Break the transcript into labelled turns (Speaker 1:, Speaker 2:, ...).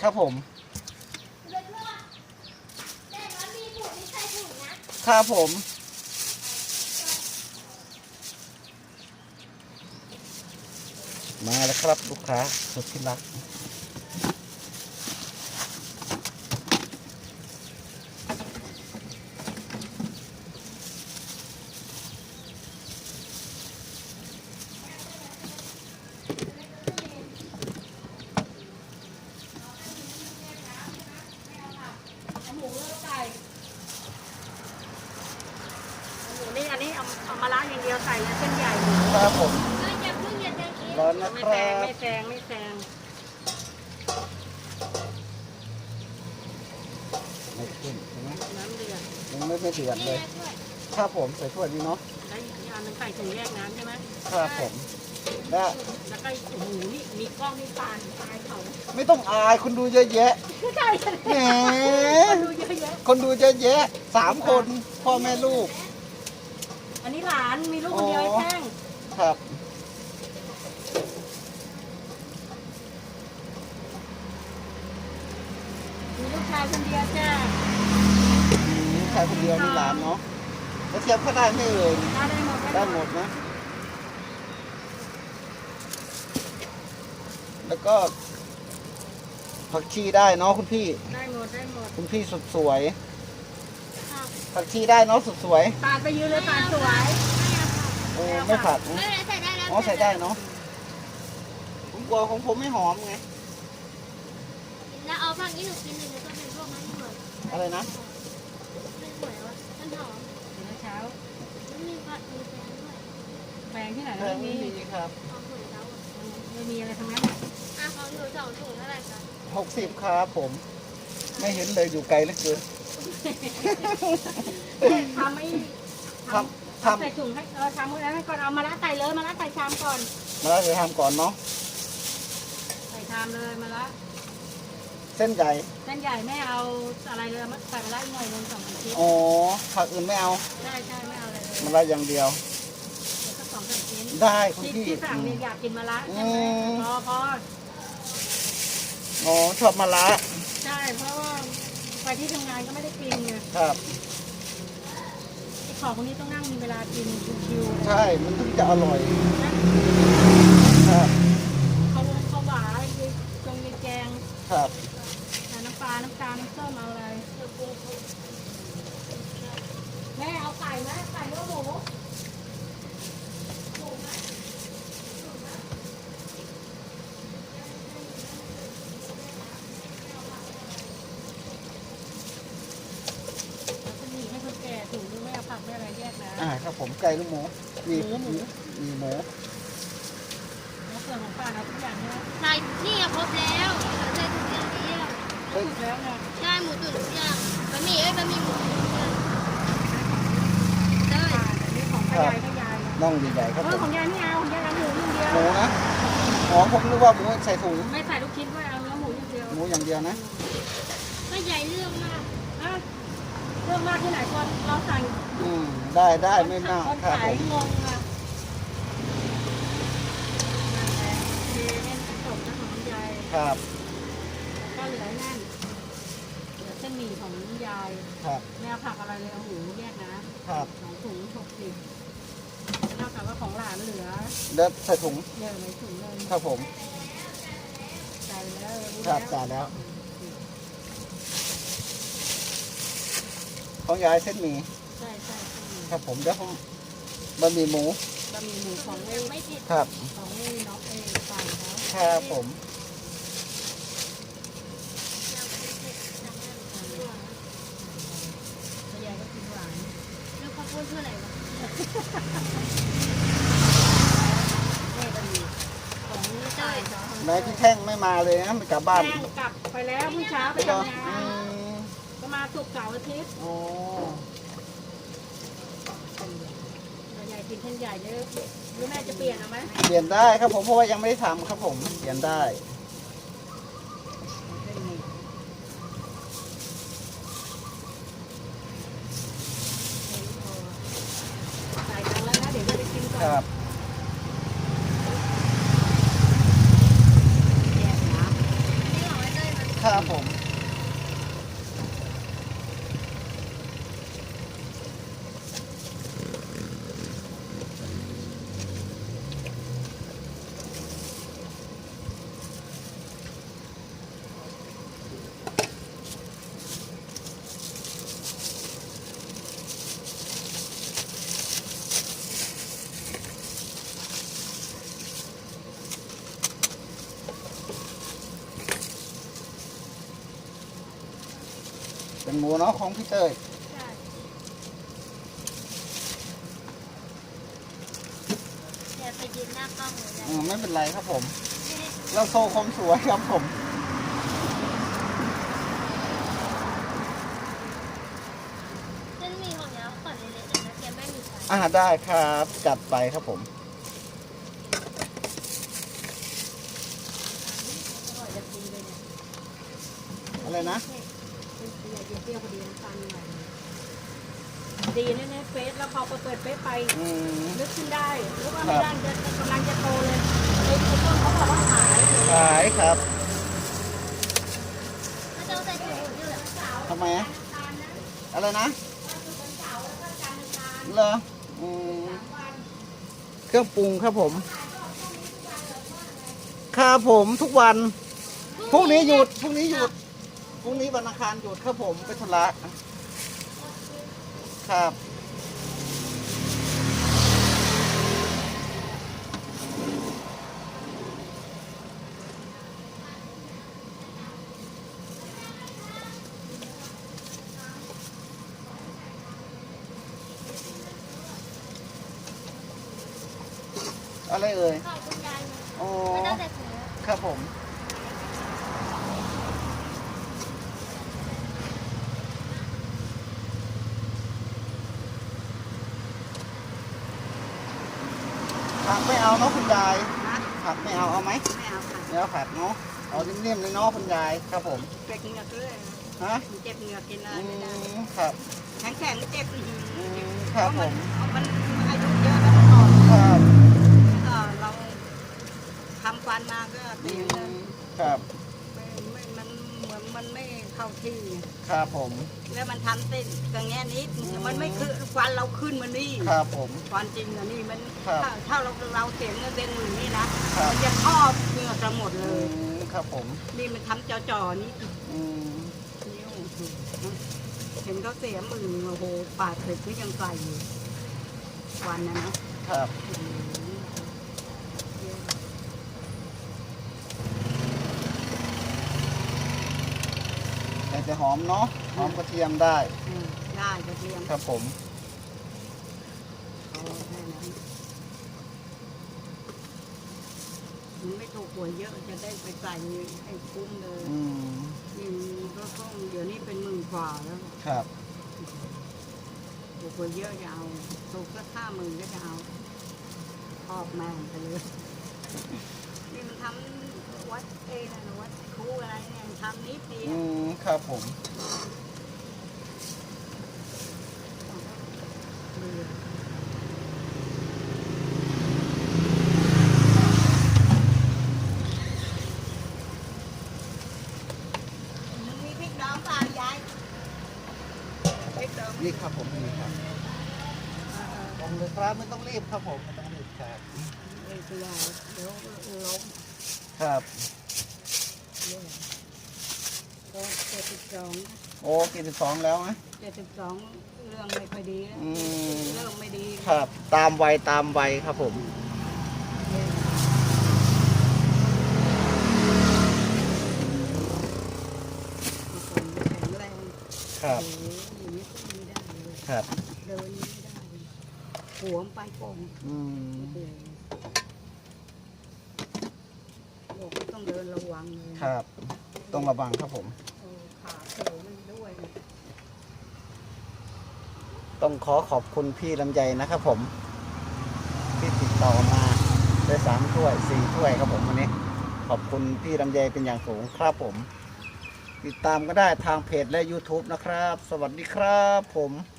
Speaker 1: ครับผมครับผมมาแล้วครับลูกค้าสุดที่รัก
Speaker 2: นี่อันนี้เอามาล้างอย่างเดียวใส่เส้นใหญ่
Speaker 1: ครับผม
Speaker 3: อย่าเพิ่งอย่าเดินเอง
Speaker 1: ร้อนนะค
Speaker 2: ไม่
Speaker 1: รั
Speaker 2: แซง
Speaker 1: บ
Speaker 2: ไม่แซงไม่แซง
Speaker 1: ไม่ขึ้นใช่ไหม
Speaker 2: น้ำเดือด
Speaker 1: ยังไม่เดือด
Speaker 3: นี่
Speaker 1: เลย
Speaker 3: นะช่วย
Speaker 1: ครับผมใส่ถ้วยนี้เนาะ
Speaker 2: แล้วอีกอันนึงใส่ถุงแยกน้ำใช่ไหม
Speaker 1: ครับผมและ
Speaker 2: แล้วก็โอ้โหนี่มีกล้องนี่ปานตายเขา
Speaker 1: ไม่ต้องอายคนดูเยอะแยะ
Speaker 2: ใช่
Speaker 1: แหม
Speaker 2: ดูเยอะแยะ
Speaker 1: คนดูเยอะแยะ3 คนพ่อแม่ลูก
Speaker 2: อันนี้หลานมีลูกคนเดียวไอ้แท่ง
Speaker 1: ครับ
Speaker 2: มีลูกชายคนเดียวจ้า
Speaker 1: ใครคนเดียวนี่หลานเนาะแล้วเทียบเขาได้ไหมเอ่ย
Speaker 2: ได้หมด
Speaker 1: ได้หมดนะ แล้วก็ผักชีได้เนาะคุณพี่
Speaker 2: ได้หมดได้หมด
Speaker 1: คุณพี่สุดสวย
Speaker 3: ค่ะ
Speaker 1: ผักชีได้เนาะสุดสวย
Speaker 2: ปาดไปยืนเลยปาดสวย
Speaker 1: โอ้ไม่ผัดนะ
Speaker 3: ไม่เป็นไรใส่ได้แล้ว
Speaker 1: อ๋อใส่ได้เนาะผมกลัวของผมไม่หอมไง
Speaker 3: แล้วเอาฝั่งนี้หนูกินหนึ่งแล้วก็เป็นพวกมันเหมือน
Speaker 1: อะไรนะ
Speaker 3: เป็นหวยวะมันหอม
Speaker 2: เดี๋ยวเช้า
Speaker 3: มันมีผักมีแฟนด้วย
Speaker 2: แปลงที่ไหน
Speaker 1: แพ
Speaker 2: แล้ว
Speaker 1: ง
Speaker 2: ไม่
Speaker 1: ไม่
Speaker 2: มี
Speaker 1: มีครับ
Speaker 3: ของหวยเราอะ
Speaker 2: ไม่มีอะไรทั้งนั้น
Speaker 3: ของหนู2 ถุงเท่าไหร่คะ
Speaker 1: 60ครับผม ไม่เห็นเลยอยู่ไกลเหลือเกิน
Speaker 2: ทำไม่
Speaker 1: ทำ
Speaker 2: ใส่ถุงให้ทำให้ก่อนเอามาละใส่เลยมาละใส่ชามก่อน
Speaker 1: มาแล้วจะทำก่อนเนาะ
Speaker 2: ใส่ชามเลยมาละ
Speaker 1: เส้นใหญ่
Speaker 2: เส้นใหญ่ไม่เอาอะไรเลยมาใส่มาละหน่อยนึง2 ชิ้น
Speaker 1: อ๋อผักอื่นไม่เอา
Speaker 2: ใช่ไม่เอาอะไรเลย
Speaker 1: มาละอย่างเดียว
Speaker 2: สัก2-3 ชิ้น
Speaker 1: ได้คุณ
Speaker 2: ที่
Speaker 1: พี่
Speaker 2: ที่สั่งเนี่ยอยากกินมาละใช่ไหมพอ
Speaker 1: อ๋อชอบมาละ
Speaker 2: ใช่เพราะว่าไปที่ทำงานก็ไม่ได้กินไง
Speaker 1: ครับ
Speaker 2: ไอ้ของพวกนี้ต้องนั่งมีเวลากินชิวๆเลย
Speaker 1: ใช่ มันถึงจะอร่อย
Speaker 2: นะครับ เขาหวานตรงมีแกง
Speaker 1: ครับ
Speaker 2: น้ำปลาน้ำตาลน้ำส้มเอาอะไรแม่เอาไก่ไหมไก่หรือหมูให้คนแก่ถุงนึงไม่เอาผักไม่อะไรแยกนะ
Speaker 1: ครับผมไก่หรือหมู มี
Speaker 2: หมู
Speaker 1: มีหมู
Speaker 2: แล้วส่วนของป้าเอาทุกอย่างใช่ไหม
Speaker 3: ใส่นี่ครบแล้วใส่ถุงอย่างเดียว
Speaker 2: ถูกแล้วไง
Speaker 3: ใช่หมูตุ๋นทุกอย่างบะหมี่บะหมี่หมูได้
Speaker 2: ป้าแต่นี่ของป้ายายก็ยาย
Speaker 1: น่องใหญ่ๆครับผม
Speaker 2: ของยายไม่เอาของยายเอาหมูอย่างเดียว
Speaker 1: หมูนะอ๋อผมนึกว่าหมูใส่ถุง
Speaker 2: ไม่ใส่ลูกชิ้นด้วยเอาเนื้อหมูอย่างเดียว
Speaker 1: หมูอย่างเดียวนะ
Speaker 3: ก็ใหญ่เรื่องมาก
Speaker 2: อ่ะเรื่องมากที่ไหนคนเราสั่ง
Speaker 1: ได้ไม่มาก
Speaker 2: คน
Speaker 1: ครับ
Speaker 2: ขา
Speaker 1: ผ
Speaker 2: ย
Speaker 1: ม
Speaker 2: งงอ่ะนั่นแหละเทเนี่ยจบนะของคุณยาย
Speaker 1: ครับ
Speaker 2: ก็เหลือนั่นเหลือเส้นหมี่ของคุณยาย
Speaker 1: ครับ
Speaker 2: ไม่เอาผักอะไรเลยเอาหมูแยกนะครับ 2 ถุง60เท่ากับว่าของหลานเหลือ
Speaker 1: แล้วใส่ถุง
Speaker 2: เยอะเลยถุงเลย
Speaker 1: ครับผม
Speaker 2: ใจแล้วรู้
Speaker 1: ครับ
Speaker 2: แล้ว
Speaker 1: จ่ายแล้ว ของยายเส้นหมี่
Speaker 2: ใช่ใช่
Speaker 1: ครับผมเดี๋ยวผมบะหมี่หมู
Speaker 2: บะหมี่หมูของไอ้
Speaker 3: ไม่ผิด
Speaker 1: ครับ
Speaker 2: ของไอ้น้องไอ้ฝั่งเขา
Speaker 1: ครับผม
Speaker 2: คุณยายก็กินหวาน
Speaker 3: แล้วข้าวโพดเท่าไหร่วะ
Speaker 2: แม่ก็มีของนี่ใช่เขา
Speaker 1: นายพี่แท่งไม่มาเลยนะไม่กลับบ้าน
Speaker 2: แม่กลับไปแล้วเมื่อเช้าไป
Speaker 1: เหรอ
Speaker 2: ทำงานก็มาศุกร์เสาร์อาทิตย์
Speaker 1: โอ้
Speaker 2: ใหญ่กินเส้นใหญ่เยอะหรือแม่จะเปลี่ยนเอาไหม
Speaker 1: เปลี่ยนได้ครับผมเพราะว่ายังไม่ได้ทำครับผมเปลี่ยนได้
Speaker 2: ใส่ตังค์แล้วนะเดี๋ยวจะไปกินก่อน
Speaker 1: ครับ
Speaker 2: แยกนะ
Speaker 3: นี่ของไอ้เต้ยมัน
Speaker 1: คครับผม เป็นหมูเนาะของพี่เต้ย
Speaker 3: ใช่เดี๋ยวไปยืนหน้ากล้องเลยนะ
Speaker 1: ไม่เป็นไรครับผม เราโชว์ความสวยครับผม
Speaker 3: เส้นหมี่ของเนี้ยขอเล็กๆหน่อยนะแกไม่มีไฟ
Speaker 1: ได้ครับจัดไปครับผม
Speaker 2: อร่อยจะกินเลยเนี่ย
Speaker 1: อะไรนะ
Speaker 2: เป็นเปรี้ยวพอดีน้ำตาลหน่อยดีแน่ๆเฟซแล้วพอเปิดเฟซไป
Speaker 1: อืม
Speaker 2: นึกขึ้นได้หรือว่าไม่ได้จะกำลังจะโตเลยไอ้ต้นเขาบอกว่าขาย
Speaker 1: ขายครับ
Speaker 3: ถ้าจะใส่ถุงมือด้วย
Speaker 1: ทำไมอะอะไรนะเหรอเครื่องปรุงครับผมครับผมทุกวันพรุ่งนี้หยุดพรุ่งนี้หยุดพรุ่งนี้วันอังคารหยุดครับผมไปธุระครับอะไรเอ่ย
Speaker 3: ขอบคุณยายนะ
Speaker 1: อ๋อ
Speaker 3: ไม่ต้องใส่ถุงมือ
Speaker 1: ครับผมผักไม่เอาเนาะคุณยาย
Speaker 2: นะ
Speaker 1: ผักไม่เอาเอาไหม
Speaker 2: ไม่เอาค่ะ
Speaker 1: เนื้อผักเนาะเอานิ่มๆเลยเนาะคุณยายครับผม
Speaker 2: เจ็บเหงือกเลย
Speaker 1: ฮะ
Speaker 2: เจ็บเหงือกกินอะไรไม่ได้
Speaker 1: ครับ
Speaker 2: แข็งๆเจ็บอีก
Speaker 1: ครับผม
Speaker 2: มันอายุเยอะแล้วมันอ่อน
Speaker 1: ครับ
Speaker 2: เราทำฟันมาก็เสียเงิน
Speaker 1: ครับ
Speaker 2: มันเหมือนมันไม่เข้าที่
Speaker 1: ครับผม
Speaker 2: แล้วมันทำเต้นกระแงนิดมันไม่คือฟันเราขึ้นมานี่
Speaker 1: ครับผม
Speaker 2: ฟันจริงอะนี่มัน
Speaker 1: ครับ
Speaker 2: ถ้าเราเสียเงินเป็นหมื่นนี่นะครับ มันจะครอบเหงือกเราหมดเลย
Speaker 1: ครับผม
Speaker 2: นี่มันทำจ่อๆนี่
Speaker 1: อืม
Speaker 2: นิ้วเห็นเขาเสียหมื่นโอ้โหปาดเสร็จก็ยังใส่อยู่วันนะนะครับ
Speaker 1: แต่จะหอมเนาะหอมกระเทียมได้
Speaker 2: ได้กระเทียม
Speaker 1: ครับผม
Speaker 2: เอาแค่นั้นมันไม่ถูกหวยเยอะจะได้ไปใส่ให้คุ้มเลย
Speaker 1: อืม
Speaker 2: นี่ก็ต้องเดี๋ยวนี้เป็นหมื่นกว่าแล้ว
Speaker 1: ครับ
Speaker 2: ถูกหวยเยอะจะเอาถูกก็50,000ก็จะเอาครอบแม่งไปเลยนี่มันทำวัดเองนะวัดครูอะไรเนี่ยมันทำนิดเดียว
Speaker 1: ครับผม
Speaker 2: มันมีพริกดองเปล่ายายพริกดอง
Speaker 1: นี่ครับผมนี่ครับผมเลยครับไม่ต้องรีบครับผมไม่ต้องรีบครับ
Speaker 2: เอ้ยตัวเดี๋ยวล้ม
Speaker 1: ครับ
Speaker 2: ก็72
Speaker 1: โอ้72แล้วนะ
Speaker 2: 72เรื่องไม่ค่อยดีแล้ว
Speaker 1: อืม
Speaker 2: เริ่มไม่ดี
Speaker 1: ครับ ตามวัยตามวัยครับผม
Speaker 2: แข็งแรง
Speaker 1: ครับ
Speaker 2: โอ้โหอย่างนี้ก็ไม่ได้เลย
Speaker 1: ครับ
Speaker 2: เดินไม่ได้เลยหัวมันไปโป่ง
Speaker 1: อืม
Speaker 2: โอ้โหบอกว่าต้องเดินระวังเลย
Speaker 1: ครับ ต้องระวังครับผม
Speaker 2: เออขาเขวมันด้วยนะ
Speaker 1: ต้องขอบคุณพี่ลำไยนะครับผม ที่ติดต่อมาได้3 ถ้วย 4 ถ้วยครับผมวันนี้ ขอบคุณพี่ลำไยเป็นอย่างสูงครับผม ติดตามก็ได้ทางเพจและ YouTube นะครับ สวัสดีครับผม